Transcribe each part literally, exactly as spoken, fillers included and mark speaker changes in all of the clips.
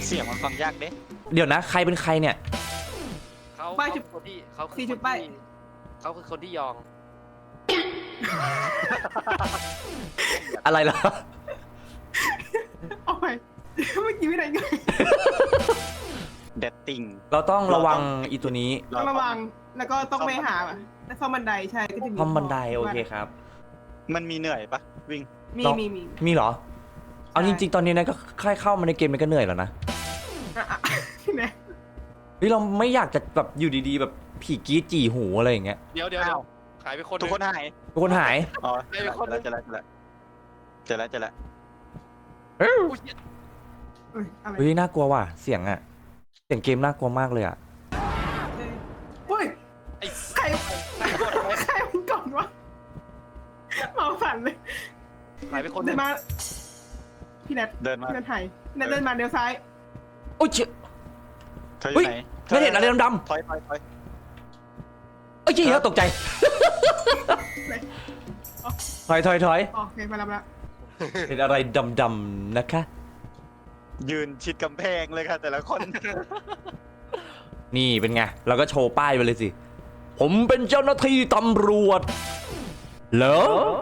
Speaker 1: เสียงมันฟังยากเด้
Speaker 2: เดี๋ยวนะใครเป็นใครเนี่ย
Speaker 3: เขาเขาคือคนที่เขาคือคนที่เขาคือคนที่ยอง
Speaker 2: อะไรเหรอ
Speaker 4: โอ้ยเมื่อกี้ไม่ได้ไง
Speaker 1: เด็ดติ่ง
Speaker 2: เราต้องระวังอีตัวนี้
Speaker 4: ต้องระวังแล้วก็ต้องไปหาแล้วซ่อมบันไดใช่ก็จะมี
Speaker 2: ซ่อมบันไดโอเคครับ
Speaker 1: มันมีเหนื่อยปะวิ่ง
Speaker 4: มีมีมี
Speaker 2: มีเหรอเอาจริงๆตอนนี้นะก็ค่ายเข้ามาในเกมมันก็เหนื่อยแล้วนะ
Speaker 4: เนี่ย
Speaker 2: เฮ้ยเราไม่อยากจะแบบอยู่ดีๆแบบผีกี้จีหูอะไรอย่างเงี้ย
Speaker 3: เดี๋ยวเดี๋ยวหายไปคน
Speaker 1: ทุกคนหาย
Speaker 2: ทุกคนหาย
Speaker 1: อ๋อเจอแล้วเจอแล้วเจอแล้วเจอแล้ว
Speaker 2: เฮ้ยน่ากลัวว่ะเสียงอะเสียงเกมน่ากลัวมากเลยอะ
Speaker 4: เฮ้ยไอ้ใครใครมันก่อนวะเมาสั่นเลย
Speaker 3: หายไปคน
Speaker 4: เดินมาพี่แนท
Speaker 1: เดินมา
Speaker 4: เดินไทยเดินมาเดี๋ยวซ้าย
Speaker 2: โอ้ยเจ๊
Speaker 1: เธออยู่ไหน
Speaker 2: ไม่เห็นอะไรดำ
Speaker 1: ๆถอยถอยถอย
Speaker 2: เอ้ยเจ๊ตกใจถอยถอยถอย
Speaker 4: โอเคมาแล้วมา
Speaker 2: เห็นอะไรดำๆนะคะ
Speaker 1: ยืนชิดกำแพงเลยค่ะแต่ละคน
Speaker 2: นี่เป็นไงเราก็โชว์ป้ายไปเลยสิผมเป็นเจ้าหน้าที่ตำรวจเหรอ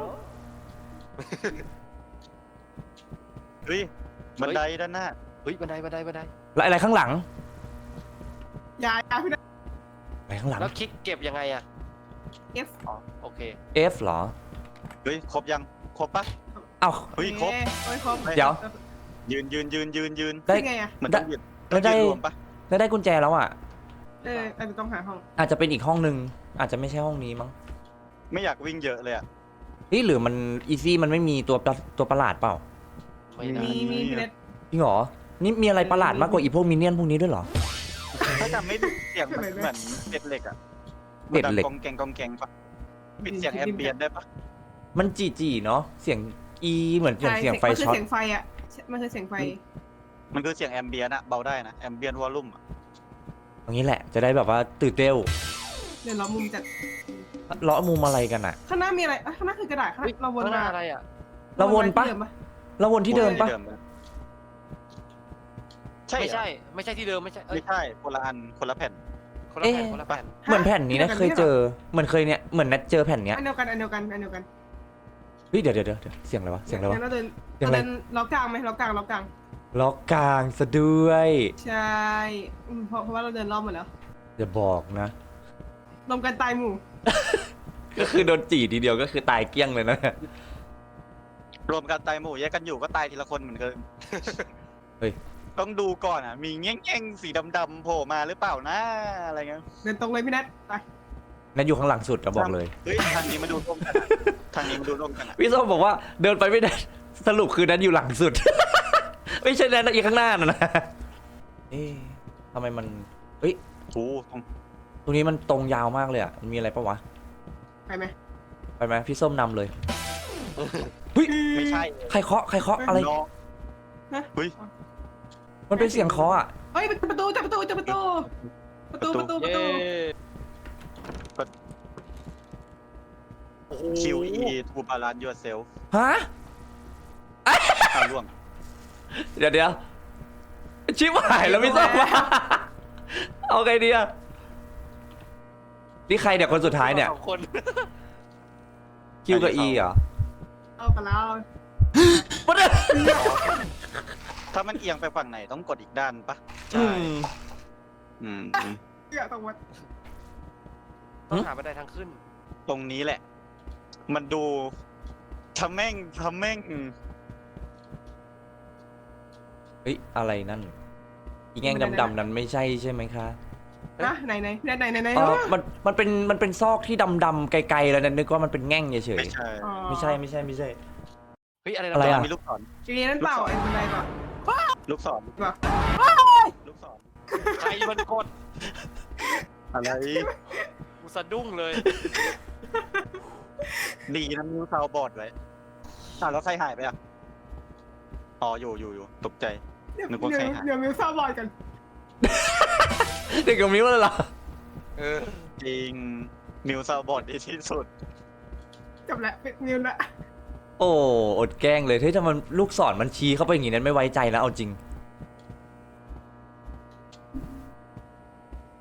Speaker 1: เฮ้ยบันไดด้านหน้า
Speaker 3: เฮ้ยบันไดบันไดบันได
Speaker 2: แล้วอะไรข้างหลัง
Speaker 4: ยายาพี่นะ
Speaker 2: อะไรข้างหลัง
Speaker 3: แล้วคลิกเก็บยังไงอะ
Speaker 4: F
Speaker 3: อ๋อโอเค
Speaker 2: F เหรอ
Speaker 1: เฮ้ยครบยังครบปะ
Speaker 2: เอ้า
Speaker 1: เฮ้ยครบ
Speaker 4: ครบ
Speaker 2: เดี๋ยว
Speaker 1: ยืนยืนยืนยืนยืน
Speaker 4: ได้ไงอะ
Speaker 1: มันต้องยืน
Speaker 2: แล้วได้แล้วได้กุญแจแล้วอ่ะ
Speaker 4: เอออาจจะต้องหาห้อง
Speaker 2: อาจจะเป็นอีกห้องนึงอาจจะไม่ใช่ห้องนี้มั้ง
Speaker 1: ไม่อยากวิ่งเยอะเลยอ่ะ
Speaker 2: นี่หรือมันอีซี่มันไม่มีตัวตัวประหลาดเปล่า
Speaker 4: มีมีพี่เน็ต
Speaker 2: จริงเหรอนี่มีอะไรประหลาดมากกว่าอีพวกมินเนี่ยนพวกนี้ด้วยเหรอ
Speaker 1: ถ้าจำไม่ผิดเสียงมันเหมือนเป็ดเหล็กอ่ะ
Speaker 2: เป็ดเหล็ก
Speaker 1: กองแกงกองแกงปะปิดเสียงแอมเบียนได้ปะ
Speaker 2: มันจีจีเนาะเสียงอีเหมือนเสียงเสียงไฟช็อต
Speaker 4: มันคือเสียงไฟอ่ะมันคือเสียงไฟ
Speaker 1: มันคือเสียงแอมเบียนอะเบาได้นะแอมเบียนวอลลุ่มอะ
Speaker 2: อย่างนี้แหละจะได้แบบว่าตื่นเต้น
Speaker 4: เดี๋ยวเรามุมจัด
Speaker 2: เลาะมุมอะไรกันอะ
Speaker 4: ข้างหน้ามีอะไรข้างหน้าคือกระดาษข้างเราวนมา
Speaker 3: อะไรอะ
Speaker 2: เราวนปะเราวนที่เดิมปะ
Speaker 1: ใช่
Speaker 3: ไม่ใช่ไม่ใช่ที่เดิมไม่ใช่
Speaker 1: ไม่ใช่คนละอันคนละแผ่น
Speaker 3: คนละแผ่นคนละแผ่น
Speaker 2: เหมือนแผ่นนี้นะเคยเจอเหมือนเคยเนี่ยเหมือนนัดเจอแผ่นเนี้ย
Speaker 4: อันเดียวกันอันเดียวกันอันเดียวกัน
Speaker 2: เฮ้ยเดี๋ยวเดี๋ยวเดี๋ยวเสียงอะไรวะเสียงอะไรวะ
Speaker 4: เราเดินเราเดินล็อกกลางไหมล็อกกลางล็อกกลาง
Speaker 2: ล็อกกลางซะด้วย
Speaker 4: ใช่เพราะเพราะว่าเราเดินรอบหมดแล้ว
Speaker 2: อย่าบอกนะ
Speaker 4: รวมกันตายหมู่
Speaker 2: ก็คือโดนจีทีเดียวก็คือตายเกลี้ยงเลยนะ
Speaker 1: รวมกันตายหมู่แยกกันอยู่ก็ตายทีละคนเหมือนเดิม
Speaker 2: เฮ้ย
Speaker 1: ต้องดูก่อนอ่ะมีแง่งๆสีดำๆโผล่มาหรือเปล่านะอะไรเงี้ย
Speaker 4: เดินตรงเลยพี่นัทไป
Speaker 2: นัทอยู่ข้างหลังสุดเราบอกเลย
Speaker 1: เฮ้ยทางนี้มาดูตรงกันทางนี้มาดูตรงกัน
Speaker 2: พี่ส้มบอกว่าเดินไปไม่ได้สรุปคือนัทอยู่หลังสุดไม่ใช่นัทอีกข้างหน้านะนะเอ๊ะทำไมมันเฮ้ย
Speaker 1: โอ้
Speaker 2: ตรงนี้มันตรงยาวมากเลยอ่ะมันมีอะไรปะวะ
Speaker 4: ไปไหม
Speaker 2: ไปไหมพี่ส้มนำเลยเฮ้ย
Speaker 1: ไม่ใช่
Speaker 2: ใครเคาะใครเคาะอะไร
Speaker 1: เฮ้ย
Speaker 2: มันเป็นเสียงเคาะอ่ะ
Speaker 4: เฮ้ยประตูจับประตูจับประตูประตูประตูประตู
Speaker 1: คิวอีทูบาลานยูเซล
Speaker 2: ฮะ
Speaker 1: อ้าวล่วง
Speaker 2: เดี๋ยวเดี๋ยวชิบหายแล้วพี่ส้มมาเอาไงดีอะนี่ใครเดี๋ยวคนสุดท้ายเนี่ยคิวกับอีเหรอ
Speaker 4: เอาไปแล้ว
Speaker 2: มันเนี่ย
Speaker 1: ถ้ามันเอียงไปฝั่งไหนต้องกดอีกด้านปะ
Speaker 2: ใช่
Speaker 1: อืม
Speaker 4: เกี่ยวตรงวัด
Speaker 3: ต้องหาบันไดทางขึ้น
Speaker 1: ตรงนี้แหละมันดูทำแม่งทำแม่ง
Speaker 2: เฮ้ยอะไรนั่นอีแง่งดำๆนั้นไม่ใช่ใช่ไหมคะ
Speaker 4: นะไหนไหนไหนไหนไหน
Speaker 2: มันมันเป็นมันเป็นซอกที่ดำๆไกลๆแล้วนั่นนึกว่ามันเป็นแง่งเฉย
Speaker 1: ไม่ใช่
Speaker 2: ไม่ใช่ไม่ใช่ไม่ใช่
Speaker 3: เฮ้ยอะไร
Speaker 2: อะไรอะ
Speaker 1: มีลูกศร
Speaker 4: จีนั่นเปล่าไอ้บันไดเปล่า
Speaker 1: ลูกศรลูกศร
Speaker 3: ใครมันกด
Speaker 1: อะไร
Speaker 3: กูสะดุ้งเลย
Speaker 1: ดีนะมิวซาวบอร์ดไว้อ้าวแล้วใครหายไปอ่ะอ๋ออยู่อยู่อยู่ตกใจนึกว่าใครหาย
Speaker 4: เดี๋ยวมิวซาวบอร์ดกัน
Speaker 2: เด็กกับมิวเลยเหรอ
Speaker 1: เออจริงมิวซาวบอร์ดดีที่สุด
Speaker 4: จบแล้วเป็นมิวละ
Speaker 2: โอ้อดแกล้งเลยเฮ้ยถ้ามันลูกศรมันชี้เข้าไปอย่างนี้นั้นไม่ไว้ใจแล้วเอาจริง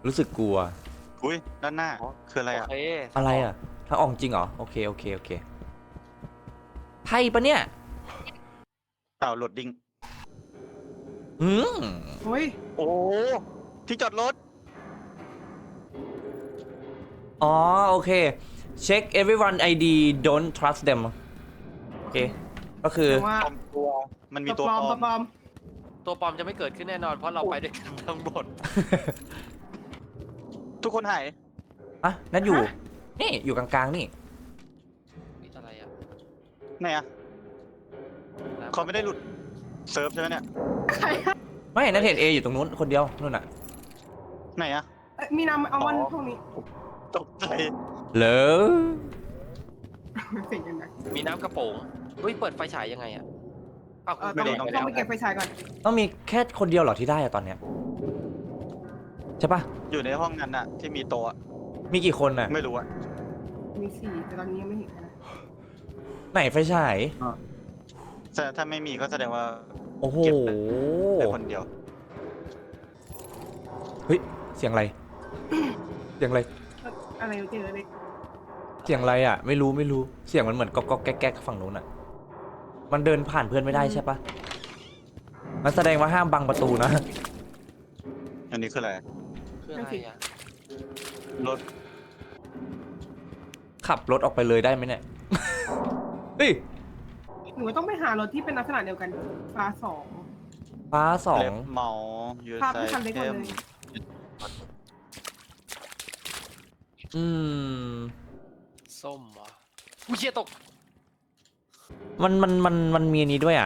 Speaker 2: รู้สึกกลัว
Speaker 1: อุ้ยด้านหน้าคืออะไร
Speaker 3: โอ
Speaker 1: อ่ะ
Speaker 3: เค
Speaker 2: อะไรอ่ะทางออกจริงเหรอโอเคโอเคโอเคไพ่ปะเนี่ย
Speaker 1: เต่าโหลดดิ้ง
Speaker 2: อืม
Speaker 4: โอ้ย
Speaker 1: โอ้ที่จอดรถ
Speaker 2: อ๋อโอเค check everyone ไอ ดี don't trust them โอเคก็คือ
Speaker 4: แต่ว่า
Speaker 1: ปลอมตัวมันมีตัว
Speaker 4: ปลอม
Speaker 1: ปลอ
Speaker 4: ตัว
Speaker 1: ม
Speaker 4: ปลอม
Speaker 3: ตัวปลอมจะไม่เกิดขึ้นแน่นอน เพราะเราไปด้วยกันทั้งหมด
Speaker 1: ทุกคนหาย
Speaker 2: อ่ะนั่นอยู่ นี่อยู่กลางๆนี่
Speaker 3: นี่อะไรอ่ะ
Speaker 1: ไหนอ่ะเขาไม่ได้หลุดเซิร์ฟใช่ไหมเนี่ย
Speaker 4: ใครอะ
Speaker 2: ไม่นั่นเห็นเออยู่ตรงนู้นคนเดียวนู่นน่ะ
Speaker 1: ไหนอ่ะ
Speaker 4: เอ้ยมีนำเอาวัน
Speaker 1: อ๋อ
Speaker 4: พวกนี้
Speaker 1: ตกใจ
Speaker 2: เหรอ
Speaker 4: เสียงยังไง
Speaker 3: มีน้ำกระโปรงเฮ้ย เปิดไฟฉายยังไงอ่ะอ้าว
Speaker 4: เออ
Speaker 3: ไม่
Speaker 4: ต้อง
Speaker 3: ได้
Speaker 4: ต้องไปเก็บไฟฉายก่อน
Speaker 2: ต้องมีแค่คนเดียวเหรอที่ได้อะตอนเนี้ยใช่ปะ
Speaker 1: อยู่ในห้องนั้นน่ะ ที่มีโต๊ะอะ
Speaker 2: มีกี่คนน่ะ
Speaker 1: ไม่รู้อ่ะ
Speaker 4: มีสี่แต่ตอนนี้ยังไม่เห็นนะ
Speaker 2: ไหนไฟฉาย
Speaker 1: แต่ถ้าไม่มีก็แสดงว่า
Speaker 2: โอ้โห
Speaker 1: เก็บไป แต่คนเดียว
Speaker 2: เฮ้ยเสียงอะไร เสียงอะไร
Speaker 4: เอ้ยอะไรเจอเล็ก
Speaker 2: เสียงอะไรอ่ะ ไม่รู้ไม่รู้เสียงมันเหมือนก๊อกก๊อกแก๊กแก๊กฝั่งนู้นอ่ะ มันเดินผ่านเพื่อนไม่ได้ใช่ปะมันแสดงว่าห้ามบังประตูนะ
Speaker 1: อันนี้คืออะไร
Speaker 3: คืออะไรอ่ะ
Speaker 1: รถ
Speaker 2: ขับรถออกไปเลยได้ไหมเนี่ย เฮ้ย
Speaker 4: หนูว่าต้องไปหารถที่เป็นลักษณะเดียวกันฟ้าสอง
Speaker 2: ฟ้าสอง
Speaker 1: เล็บเมายู
Speaker 4: ภาพ
Speaker 1: ไซ
Speaker 4: ที่คันเล็กหม
Speaker 1: เท
Speaker 4: ด
Speaker 1: ม
Speaker 4: เลย
Speaker 2: อืม
Speaker 3: ส้มเหรออุ้ยเชี่ยตก
Speaker 2: มันมันมันมันมีอันนี้ด้วยอ่ะ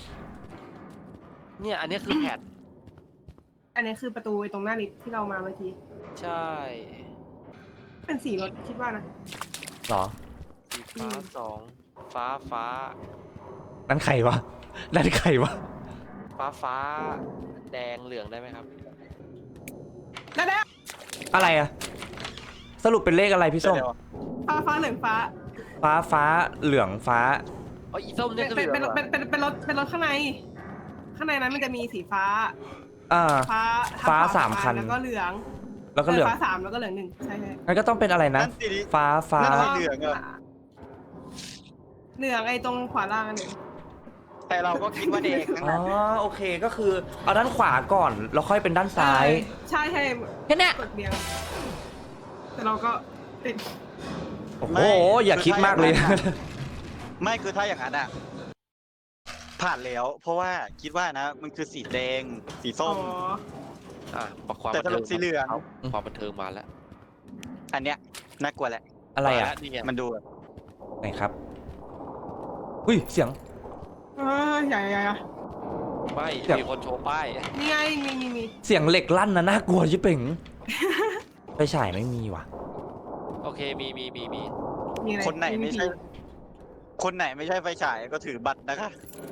Speaker 3: เนี่ย อันนี้คือแพด
Speaker 4: อันนี้คือประตูไอ้ตรงหน้าลิฟต์ที่เรามาเมื่อกี้
Speaker 3: ใช่
Speaker 4: เป็นสีรถคิดว่านะ
Speaker 2: หรอ
Speaker 3: สีฟ้าสองฟ้าฟ้า
Speaker 2: นั่นใครวะ นั่นใครวะ
Speaker 3: ฟ้าฟ้า แดงเหลืองได้ไหมครับ
Speaker 4: ได้แล้ว
Speaker 2: อะไรอ่ะ สรุปเป็นเลขอะไรพี่ส้ม
Speaker 1: เดี๋ยว
Speaker 4: ฟ้าฟ้าเหลืองฟ้า
Speaker 2: ฟ้าฟ้าเหลืองฟ้า
Speaker 3: อ๋ออีส้ม
Speaker 4: เป็
Speaker 3: เนี่ย
Speaker 4: น
Speaker 3: คือ
Speaker 4: เป็น
Speaker 3: เหลือง
Speaker 4: เป็น
Speaker 3: เหรอ
Speaker 4: เป็นเป็นเป็นรถเป็นรถข้างใน ข้างในนั้นมันจะมีสีฟ้า
Speaker 2: อ่า
Speaker 4: ฟ้า
Speaker 2: ฟ้า
Speaker 4: ทงขว
Speaker 2: สามคัน
Speaker 4: แล้วก็เหลือง
Speaker 2: แล้วก็เหลือง
Speaker 4: ฟ้าสามแล้วก็เหลืองหนึ่งใช่ใช่
Speaker 2: งั้นก็ต้องเป็นอะไรนะ
Speaker 1: นั่นสิ
Speaker 2: ฟ้าฟ้า
Speaker 1: นั่นสิ เหลืองอะ
Speaker 4: เหลืองไอ้ตรงขวาล่างอันหนึ่ง
Speaker 1: แต่เราก็คิดว่าแดงทั้ง
Speaker 2: อ๋อ
Speaker 1: นั้น
Speaker 2: โอเคก็คือเอาด้านขวาก่อนแล้วค่อยเป็นด้านซ้าย
Speaker 4: ใช่ใช่
Speaker 2: แค่เนี้ย
Speaker 4: กดเบียงแต่เราก็ติด
Speaker 2: โอ้โหอย่าคิดมากเลย
Speaker 1: ไม่คือถ้าอย่างนั้นอ่ะ ผ่านแล้ว เพราะว่าคิดว่านะ มันคือสีแดง สี
Speaker 4: อ๋
Speaker 1: ส้
Speaker 4: อ
Speaker 1: ม
Speaker 3: อ่ะความ
Speaker 1: แต่
Speaker 3: บัน
Speaker 1: สรุ
Speaker 3: เทิ
Speaker 1: ป
Speaker 3: ง
Speaker 1: สีเหลือง
Speaker 3: ความบันเทิงมาแล้ว
Speaker 1: อันเนี้ยน่ากลัวแหละ
Speaker 2: อะไรอ่ะ
Speaker 3: มาแล้วนี่ไง
Speaker 1: มันดูแบบ
Speaker 2: ไหนครับอุ้ยเสียง
Speaker 4: เออใหญ่ใหญ่ใหญ่
Speaker 3: ไม่
Speaker 2: เดี๋ยว
Speaker 3: มีคนโชว์ป้าย
Speaker 4: นี่ไงมีมีมี
Speaker 2: เสียงเหล็กลั่นนะน่ากลัวชิบเป่ง ไปฉายไม่มีว่ะ
Speaker 3: โอเค มีมีมีมี
Speaker 4: มีอะไร
Speaker 1: คนไหนไม่ใช่ คนไหนไม่ใช่ไฟฉายก็ถือบัตรนะคะ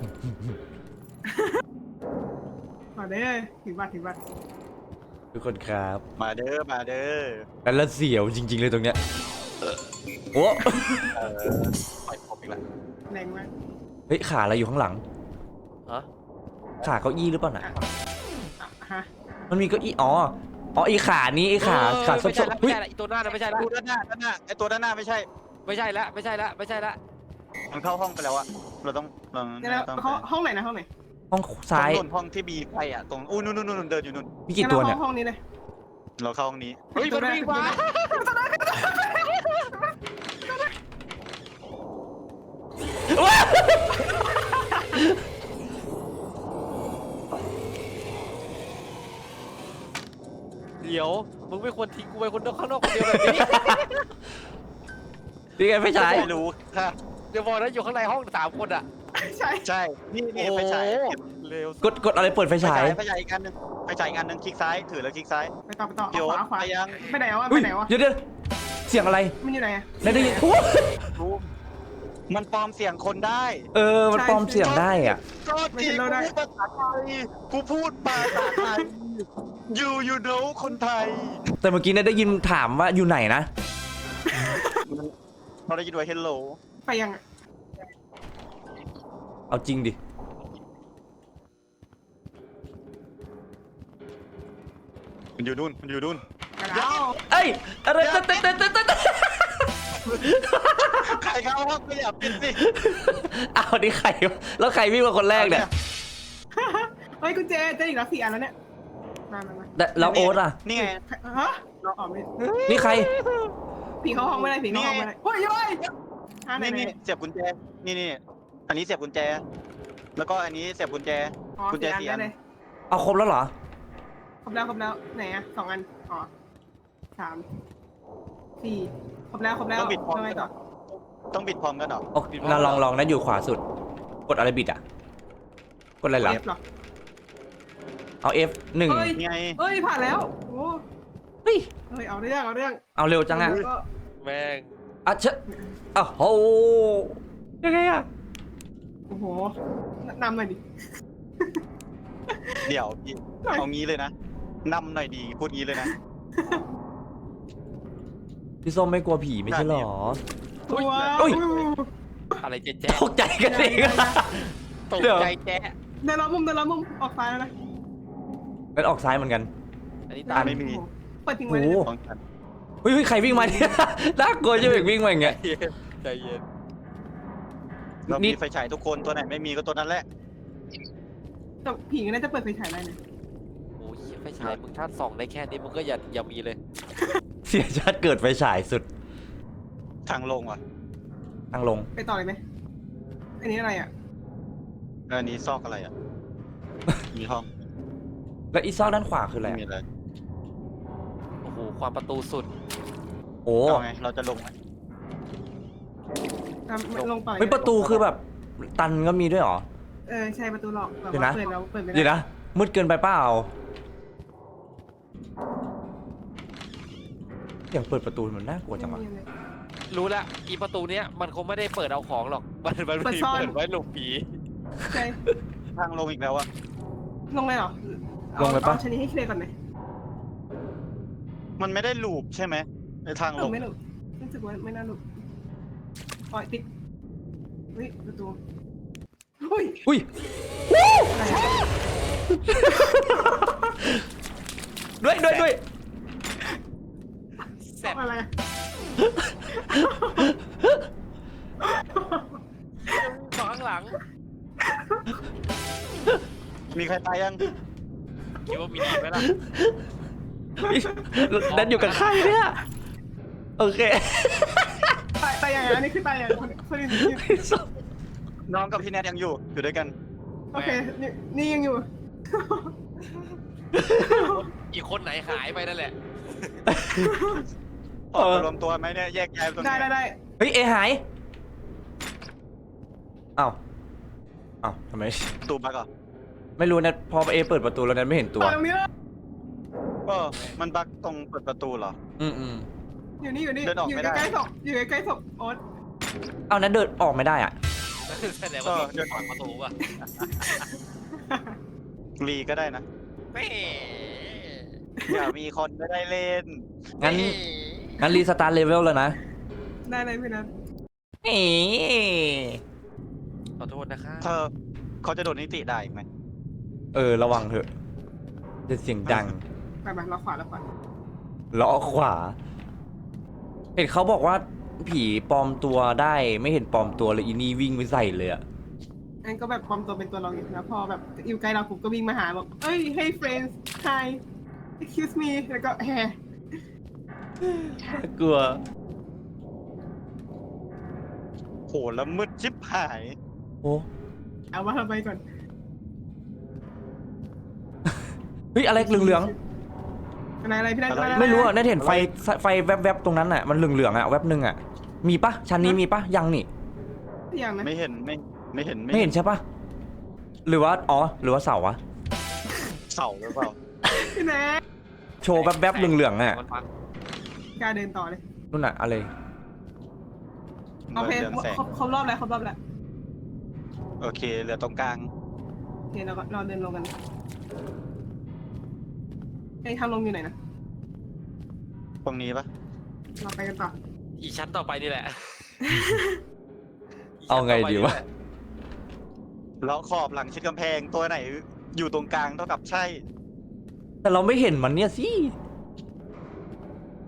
Speaker 4: มาเด้อถือบัตรถือบัตร
Speaker 2: ทุกคนครับ
Speaker 1: มาเด้อ มาเด้อ
Speaker 2: แล้วละเสียวจริง ๆ เลยตรงเนี้ยโอ้
Speaker 1: เออปล่อยผมอีกแล้ว
Speaker 4: แรงมาก
Speaker 2: เฮ้ยขาอะไรอยู่ข้างหลัง
Speaker 3: ฮะ
Speaker 2: ขาเก้าอี้หรือเปล่าน่ะ
Speaker 4: อ่ะอ่ะฮะ
Speaker 2: มันมีเก้าอี้อ๋ออ๋ออีขานี้อีขา
Speaker 3: เออ
Speaker 2: ขาส้
Speaker 3: ไม่ใช่
Speaker 2: ม
Speaker 3: ละ
Speaker 2: ๆ
Speaker 3: ไม่
Speaker 2: เฮ้ย
Speaker 3: ใช่ละอีตัวหน้าน่ะไม่ใช่ละ
Speaker 1: ดูด้านหน้า ด้านหน้า ไอตัวด้านหน้าไม่ใช่
Speaker 3: ไม่ใช่ละไม่ใช่ละไม่ใช่ละ
Speaker 1: มันเข้าห้องไปแล้วอะเราต้องเรา
Speaker 4: เดี๋ยวเรา
Speaker 1: ต้อง
Speaker 4: ห้องห้องไหนนะห้องไหน
Speaker 2: ห้องซ้าย
Speaker 1: ห้องนู่นห้องที่มีไฟอะตรงอู้นู่นนู่นนู่นเดินอยู่นู่น
Speaker 2: มีกี่ตัวเนี่ย
Speaker 4: งั้ราห้องนี้เลย
Speaker 1: เราเข้าห้องนี้
Speaker 3: เฮ้ยมันวิ่งมาเดี๋ยวมึงไม่ควรทิ้งกูไปคนเดียวข้างนอกคนเดียวแบบนี้
Speaker 2: นี่ไงไฟฉาย
Speaker 1: ไม่รู้ค่ะ
Speaker 3: เดี๋ยวบอกนะอยู่ข้างในห้องสามคนอ่ะ
Speaker 4: ใช่
Speaker 1: ใช่ นี่นี่ไฟฉาย
Speaker 3: โอ้เร็ว
Speaker 2: กดกดอะไรเปิดไฟ
Speaker 1: ไฟ
Speaker 2: ฉา
Speaker 1: ฉาย ยไฟฉายอีกอันหนึงไฟฉายอีกอันหนึงคลิกซ้ายถือแล้วคลิกซ้าย
Speaker 4: ไปต่อไปต่อ
Speaker 1: เดี๋ยว
Speaker 4: ขวาขวา
Speaker 1: ไปยัง
Speaker 4: ไปไหนวะ
Speaker 2: อุ้
Speaker 4: ไป
Speaker 2: ย
Speaker 4: ไหนวะ
Speaker 2: เดี๋ยวเดี๋ยวเสียงอะไร
Speaker 4: มันอยู่ไหนอะ
Speaker 2: ได้ได้ยินโอ้
Speaker 1: รู้มันปลอมเสียงคนได้
Speaker 2: เออมันปลอมเสียงได้อ่ะ
Speaker 1: ก็จริงกูพูดภาษาไทยกูพูดภาษาไทย you you know คนไทย
Speaker 2: แต่เมื่อกี้เนี่ยได้ยินถามว่าอยู่ไหนนะ
Speaker 1: เราได้ยินว่า hello
Speaker 4: ไปยังอะ
Speaker 2: เอาจริงดิ
Speaker 1: มันอยู่นู่นมันอยู่นู่น
Speaker 4: แล้ว
Speaker 2: เอ้ยอะไรเต้นเต้นเต้นเต้นเต้น
Speaker 1: ใครเข้าห้องไม่อยากปิดสิ
Speaker 2: อ้าวนี่ใครวะแล้วใครวิ่งมาคนแรกเนี่ย
Speaker 4: เฮ้ยกุญแจเจออีกแล้วสี่อันแล้วเนี่ยมามามา
Speaker 2: แต่แล้วโอ๊ตอ่ะ
Speaker 1: นี่ไง
Speaker 4: ฮะเราออกไม่
Speaker 2: นี่ใคร
Speaker 4: ผีเข้าห้องไม่ได้ผีเข้าห้องไม่ได้เฮ้ยเฮ้ยหาไหน
Speaker 1: นี่
Speaker 4: ไหน
Speaker 1: นี่เสียบกุญแจ นี่นี่อันนี้เสียบกุญแจ แล้วก็อันนี้เสียบกุญแจ
Speaker 4: อ๋อ
Speaker 1: กุญแจ
Speaker 4: สี่อัน
Speaker 1: เสียบ
Speaker 4: ได้เลย
Speaker 2: เอาครบแล้วเหรอ
Speaker 4: ครบแล้วครบแล้วไหนอะสองอันอ๋อสามสี่ครบแล้วครบแล้ว
Speaker 1: ต้องบิดพร้อม
Speaker 4: ทำไม
Speaker 1: กันเหร
Speaker 4: ต่
Speaker 1: อ
Speaker 4: อ
Speaker 1: ต้องบิดพร้อมกันเหรอ
Speaker 2: โอเคเราลองลองนะอยู่ขวาสุด กดอะไรบิดอ่ะ กดอะไรหลัง
Speaker 4: เอฟเหรอ
Speaker 2: เอา F หนึ่ง
Speaker 4: เฮ้ย
Speaker 1: นี่ไง
Speaker 4: เฮ้ยผ่านแล้วโอ้
Speaker 2: เฮ้ย
Speaker 4: เฮ้ยเอาเรื่องเอาเรื่อง
Speaker 2: เอาเร็วจังอ่ะ
Speaker 4: แล้วก็
Speaker 3: แม่ง
Speaker 2: อ่ะเชอะอ้าวโหยังไงอ่ะ
Speaker 4: โอ้โหนำหน่อยดิ
Speaker 1: เดี๋ยวพี่เอางี้เลยนะนำหน่อยดี พูดงี้เลยนะ
Speaker 2: พี่ส้มไม่กลัวผีไม่ใช่เหรอ
Speaker 4: ตัว
Speaker 2: เฮ้ย
Speaker 3: อะไรเจ๊แจ๊
Speaker 2: ตกใจกันเอง
Speaker 3: ตก
Speaker 2: เดี๋ยว
Speaker 3: ใจแจ๊
Speaker 4: เดินล้อมมุมเดินล้อมมุมออกซ้ายแล้วนะ
Speaker 2: งั้นออกซ้ายเหมือนกัน
Speaker 3: อันนี้
Speaker 1: ตา
Speaker 3: ตาม
Speaker 1: ไม่มี
Speaker 4: โอ้โหเปิดทิ้งไว้
Speaker 2: โอ้
Speaker 4: เลย
Speaker 2: โห
Speaker 1: ของฉัน
Speaker 2: เฮ้ยเฮ้ยใครวิ่งมาเนี่ยน่ากลัวจะเบกวิ่งมาอย่างเงี้ย
Speaker 3: ใจเย็น
Speaker 1: เรา
Speaker 2: นี่
Speaker 1: มีไฟฉายทุกคนตัวไหนไม่มีก็ตัวนั้นแหละ
Speaker 4: แต่ผีก็น่าจะเปิดไฟฉายได้นะ
Speaker 3: โอ้ยไฟฉายมึงถ้าส่องได้แค่นี้มึงก็อย่าอย่ามีเลย
Speaker 2: เสียชาติเกิดไฟฉายสุด
Speaker 1: ทางลงว่ะ
Speaker 2: ทางลง
Speaker 4: ไปต่อเลยไหมอันนี้อะไรอ่ะ
Speaker 1: อันนี้ซอกอะไรอ่ะ มีห้อง
Speaker 2: แล้วอีซอกด้านขวาคืออะไร
Speaker 1: ไม่
Speaker 2: อะ
Speaker 1: มีอะไร
Speaker 3: โอ้โหความประตูสุด
Speaker 2: โอ้
Speaker 1: เอาไง เราจะลงไหม
Speaker 4: อ่ะลงต่อเลย
Speaker 2: เฮ้ยประตูคือแบบ ตันก็มีด้วยเหรอ
Speaker 4: เออใช่ประตูหลอกแบบ
Speaker 2: เดี๋ยว
Speaker 4: ว่า
Speaker 2: นะ
Speaker 4: เปิดแล้วเปิดไม่ได้
Speaker 2: เดี๋ยวนะมืดเกินไปเปล่าอย่างเปิดประตูมันน่ากลัวจังวะ
Speaker 4: ไม่มีเลย
Speaker 3: รู้ละอีประตูเนี้ยมันคงไม่ได้เปิดเอาของหรอก มันมัน
Speaker 4: เปิด
Speaker 3: มี
Speaker 4: ซ่อน
Speaker 3: เปิดไว้หลบผี
Speaker 4: ใช่
Speaker 1: ทางลงอีกแล้วอ่ะ
Speaker 4: ลงเลยเหรอ
Speaker 2: ลงเลยปะ
Speaker 4: อาชนิดให้เคลียร์ก่อนไหม
Speaker 1: มันไม่ได้ลูปใช่ไหมในทาง
Speaker 4: ห
Speaker 1: ล
Speaker 4: นู
Speaker 1: ง
Speaker 4: ไม่หลุดรู้สึกว่าไม่น่าหลุดอ๋อติดเฮ้ยประตูเฮ้ย
Speaker 2: อุ้ย
Speaker 4: อะไรอะ
Speaker 2: ด้วยด้วยด้วย
Speaker 3: แซ่บ
Speaker 4: อะไรอะ
Speaker 3: สองข้างหลัง
Speaker 1: มีใครตายยัง
Speaker 3: คิดว่ามีดีไหมล่ะ
Speaker 2: นัดอยู่กับใครเนี่ยโอเค
Speaker 4: ตายตายอย่างนั้นนี่คือตายอย่างคนคนอื่นอยู่
Speaker 2: พี่ส้ม
Speaker 1: น้องกับพี่แนทยังอยู่ อยู่ด้วยกัน
Speaker 4: โอเคนี่นี่ยังอยู่
Speaker 3: อีกคนไหนหายไปนั่นแหละ
Speaker 1: ออกมารวมตัวไหมเนี่ยแยกย้ายไปตรงไหน
Speaker 4: ได้ได้ได้
Speaker 2: เฮ้ยเอหายอ้าวอ้าวทำไม
Speaker 1: ตูบักเหรอ
Speaker 2: ไม่รู้นะพอเอเปิดประตูแล้วนั้นไม่เห็นตัว
Speaker 4: ต่อตรงนี้เลย
Speaker 1: เออมันบักตรงเปิดประตูเหรอ
Speaker 2: อืมอืม
Speaker 4: อยู่นี่อยู่นี่
Speaker 1: เดินออก
Speaker 4: อยู่
Speaker 1: ไม่ได้
Speaker 4: ใกล้ๆศพอยู่ใกล้ๆศพโอ๊ต
Speaker 2: เอานั้นเดินออกไม่ได้อ่ะ
Speaker 3: แสดงว่าเดินผ่านประตูป่ะ
Speaker 1: รีก็ได้นะ
Speaker 3: แม่
Speaker 1: อย่ามีคนไม่ได้เล่น
Speaker 2: งั้นงั้นรีสตาร์ทเลเวลแล้วนะ
Speaker 4: ได้เลยพี่นัท
Speaker 2: เอ๋
Speaker 3: ขอโทษนะคะ
Speaker 1: เธอเขาจะโดนนิติได้อีกไหม
Speaker 2: เออระวังเถอะจะเสียงดัง
Speaker 4: ไปไปเราขวาเราขวา
Speaker 2: ล้อขวา เห็นเขาบอกว่าผีปลอมตัวได้ไม่เห็นปลอมตัวเลยอีนี่วิ่งไปใส่เลยอะ
Speaker 4: อันก็แบบปลอมตัวเป็นตัวเราอยู่แล้วพอแบบอยู่ใกล้เราผมก็วิ่งมาหาบอกเอ้ย hey friends hi excuse me แล้วก็แฮ
Speaker 2: กลัว
Speaker 1: โหแล้วมืดชิบหาย
Speaker 2: โอ้
Speaker 4: เอาว่าเราไปก่อน
Speaker 2: เฮ้ยอะไรเหลือง
Speaker 4: อะไรอะไรพี่นัท
Speaker 1: อะไร
Speaker 2: ๆไม่รู้อ่ะนั่นเห็นไฟไฟแวบๆตรงนั้นอ่ะมันเหลืองๆอ่ะแวบหนึ่งอ่ะมีปะชั้นนี้มีปะยังนี่
Speaker 4: อย่างนะ
Speaker 1: ไม่เห็นไม่ไม่เห็น
Speaker 2: ไม่เห็นใช่ปะหรือว่าอ๋อหรือว่าเสาวะ
Speaker 1: เสาหรือเปล่า
Speaker 4: พี่นัท
Speaker 2: โชว์แวบๆเหลืองๆอ่ะ
Speaker 3: มันปัง
Speaker 4: กล้าเดินต่อเลย
Speaker 2: นู่นอ่ะอะไร
Speaker 4: โอเค
Speaker 1: เรืองแสง
Speaker 4: ครบครบรอบแล้วครบรอบแล้ว
Speaker 1: โอเคเหลือตรงกลาง
Speaker 4: โอเคเราก็เราเดินลงกันไอ้ทางลงอยู่ไหนนะ
Speaker 1: ตรงนี้ปะ
Speaker 4: เราไปกันต่อ
Speaker 3: อีชั้นต่อไปนี่แหละ
Speaker 2: เอาไงดีวะ
Speaker 1: แล้วขอบหลังชิดกำแพงตัวไหน อยู่ตรงกลางเท่ากับใช่
Speaker 2: แต่เราไม่เห็นมันเนี่ยสิ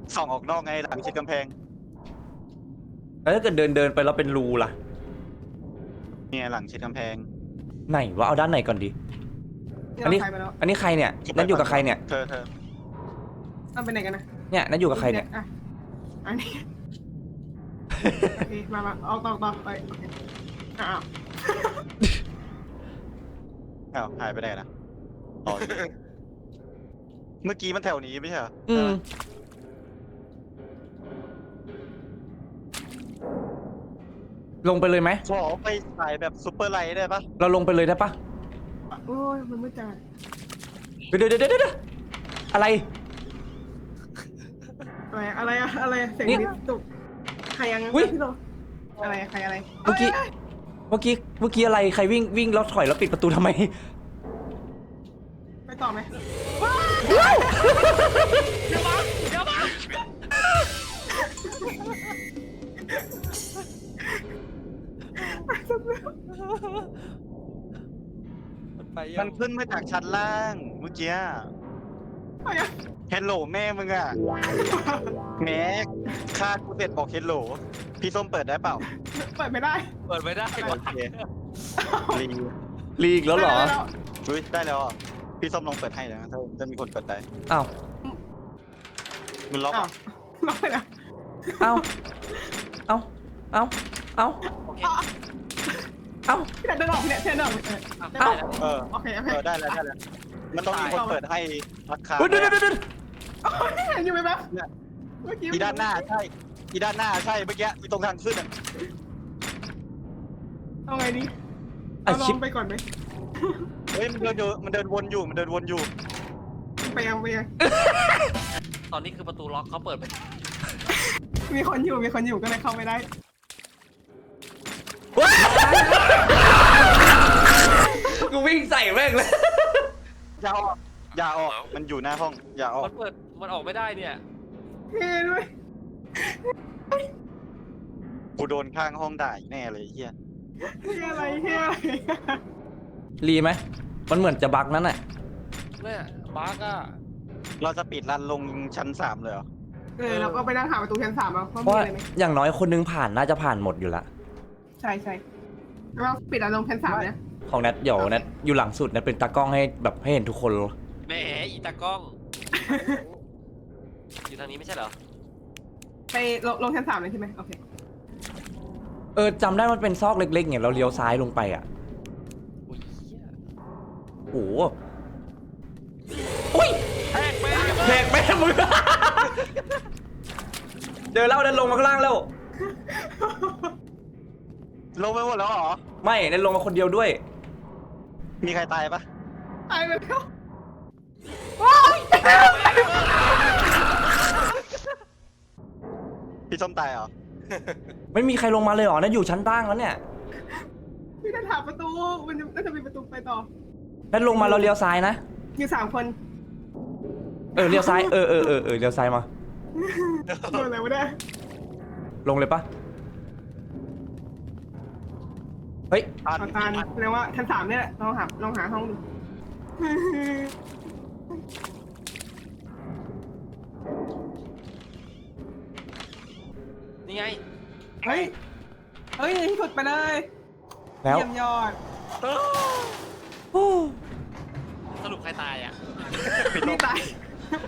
Speaker 1: ส่องออกนอกไงหลังชิดกำแพง
Speaker 2: แล้วถ้าเกิดเดินเดินไปแล้วเป็นรูล่ะ
Speaker 1: เนี่ยหลังชิดกำแพง
Speaker 2: ไหนวะเอาด้านไหนก่อนดี
Speaker 4: นี่
Speaker 2: อัน
Speaker 4: เรา
Speaker 2: นี้
Speaker 4: ใครไปแล้ว
Speaker 2: อันนี้ใครเนี่ยนัทอยู่กับใครเนี่ย
Speaker 1: เธอเธอ
Speaker 4: เราไปไหนกันนะ
Speaker 2: เนี่ยนัทอยู่กับใครเนี่ย
Speaker 4: อ่ะอันนี้โอเคมามาเอาต่อต่อไปโอเคอ้าว
Speaker 1: อ้าวหายไปไหนนะอ๋อเมื่อกี้มันแถวนี้ไม่ใช่เหรอ
Speaker 2: อืมลงไปเลยไหม
Speaker 1: ขอไปถ่ายแบบซุปเปอร์ไลท์ได้ปะ
Speaker 2: เราลงไปเลยได้ปะ
Speaker 4: โอ้ยมันไม่จ่าย
Speaker 2: เดี๋ยวเดี๋ยวเดี๋ยวเดี๋ยวอะไร
Speaker 4: อะไรอะไรอะอะไรอะเสียง
Speaker 2: นี่
Speaker 4: นิดตุกใครยัง
Speaker 2: อุ๊ย
Speaker 4: พี่โลอะไรใครอะไร
Speaker 2: เมื่อกี้ เมื่อกี้ เมื่อกี้อะไร ใครวิ่งวิ่งแล้วถอยแล้วปิดประตูทำไม
Speaker 4: ไปต่อไหม
Speaker 3: เดี๋ยวมาเดี๋ยวมา ไปยั
Speaker 1: มั
Speaker 3: ง
Speaker 1: นขึ้นมาจากชั้นล่างเมื่อกี้
Speaker 4: ไปอะ
Speaker 1: เฮลโหลแม่มึงอ่ะแม็กค่ากูเสร็จบอกเฮลโหลพี่ส้มเปิดได้เปล่า
Speaker 4: เปิดไม่ได้
Speaker 3: เปิดไม่ได้
Speaker 1: โอเครี
Speaker 2: ลีกแล้วเหรอ
Speaker 4: ได้แล้ว
Speaker 1: อุ้ยได้แล้วอ่ะพี่ส้มลองเปิดให้นะถ้าจะมีคนเปิดได้
Speaker 2: อ้าว
Speaker 1: มันล็อก
Speaker 4: อ้า
Speaker 1: อ่ะ
Speaker 4: วล็อกไปแล้ว
Speaker 2: อ้าวอ้าวอ้าวอ้าว
Speaker 3: โอเค
Speaker 2: อ้าว
Speaker 4: พี่นัทเดินออกเนี่ยพี่นัทเดินออกเออ
Speaker 3: อ่ะ
Speaker 2: เอ้า
Speaker 3: ได้แล้ว
Speaker 1: เออ
Speaker 4: โอเคโอเค
Speaker 1: เออได้แล้วได้แล้วมันต้องมีคนเปิดให้ราคา
Speaker 2: เฮ้ยเดี๋ยวเดี๋ยวเดี๋ยว
Speaker 4: เห็นอยู่ไหมแป๊บ
Speaker 1: เนี่ย
Speaker 4: เมื่อกี้
Speaker 1: อีด้านหน้าใช่อีด้านหน้าใช่เมื่อกี้อีตรงทางขึ้นอ่ะ
Speaker 4: เอาไงดี
Speaker 2: อ่ะ
Speaker 4: เอาล
Speaker 2: ชิป
Speaker 4: องไปก่อนไหม
Speaker 1: เฮ้ยมันเดินอยู่มันเดินวนอยู่มันเดินวนอยู่
Speaker 4: ไปยังไปยัง
Speaker 3: ตอนนี้คือประตูล็อกเขาเปิดไป
Speaker 4: มีคนอยู่มีคนอยู่ก็เลยเข้าไม่ได้
Speaker 2: กูวิ่งใส่แม่งเลย
Speaker 1: อย่าออกอย่าออกมันอยู่หน้าห้องอย่าออก
Speaker 3: มันเปิดมันออกไม่ได้เนี่ย
Speaker 4: เฮ้ยด้วย
Speaker 1: กูโดนข้างห้องด่าอีกแน่เลยไอ้เฮีย
Speaker 4: เฮ้ยอะไรเฮ้ยอะไร
Speaker 2: รีไหม มันเหมือนจะบักนั้นน่ะ
Speaker 3: เนี่ยบาร์กอะ
Speaker 1: เราจะปิดรันลงชั้นสามเลยเหรอ
Speaker 4: เออเราก็ไปนั่งหาประตูชั้นสามเอาว่า
Speaker 2: เพ
Speaker 4: มี
Speaker 2: ราะว่า
Speaker 4: อะไรไหม
Speaker 2: อย่างน้อยคนนึงผ่านน่าจะผ่านหมดอยู่ละ
Speaker 4: ใช่ใช่เราปิดอารมณ์ชั้นสามนะ
Speaker 2: ของแนทเดี๋ยวแนทอยู่หลังสุดแนทเป็นตากล้องให้แบบให้เห็นทุกคน
Speaker 3: แหมอีตากล้อง อยู่ทางนี้ไม่ใช่เหรอ
Speaker 4: ไปลงลงชั้นสามเลยใช่ไหมโอเค
Speaker 2: เออจำได้มันเป็นซอกเล็กๆเนี่ยเราเลี้ยวซ้ายลงไปอ่ะ
Speaker 3: อุ้ยเหี้ย
Speaker 2: โอ้โหอุ้ย
Speaker 3: แทกไป
Speaker 2: แหกแม่มึง เจอแล้วแนทลงมาข้างล่างแล้ว
Speaker 1: ลงไปหมดแล้วเหรอ
Speaker 2: ไม่แนทลงมาคนเดียวด้วย
Speaker 1: มีใครตายปะ
Speaker 4: ตายไปแล้ว
Speaker 1: พี่ส้มตายเหรอ
Speaker 2: ไม่มีใครลงมาเลยเหรอแนทอยู่ชั้นล่างแล้วเนี่ย
Speaker 4: พี่จะถามประตูมันจะน่าจะมีประตูไปต่อ
Speaker 2: แนทลงมาเราเลี้ยวซ้ายนะ
Speaker 4: มีสามคน
Speaker 2: เออเลี้ยวซ้าย เออเออเออเออเลี้ยวซ้ายมา
Speaker 4: โดนอะไรวะเนี่ย
Speaker 2: ลงเลยปะเฮ้ย
Speaker 1: ตัน
Speaker 4: ขอตานแสดงว่าชั้นสามเนี่ยแหละลองหาลองหาห้องดู
Speaker 3: นี่ไง
Speaker 4: เฮ้ย เฮ้ยที่สุดไปเลย
Speaker 2: แล้ว
Speaker 4: เยี่ยมยอด
Speaker 2: โอ้
Speaker 3: สรุปใครตายอ่ะ
Speaker 4: พี่ตาย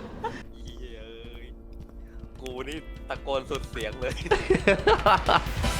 Speaker 3: เฮ้ยกูนี่ตะโกนสุดเสียงเลย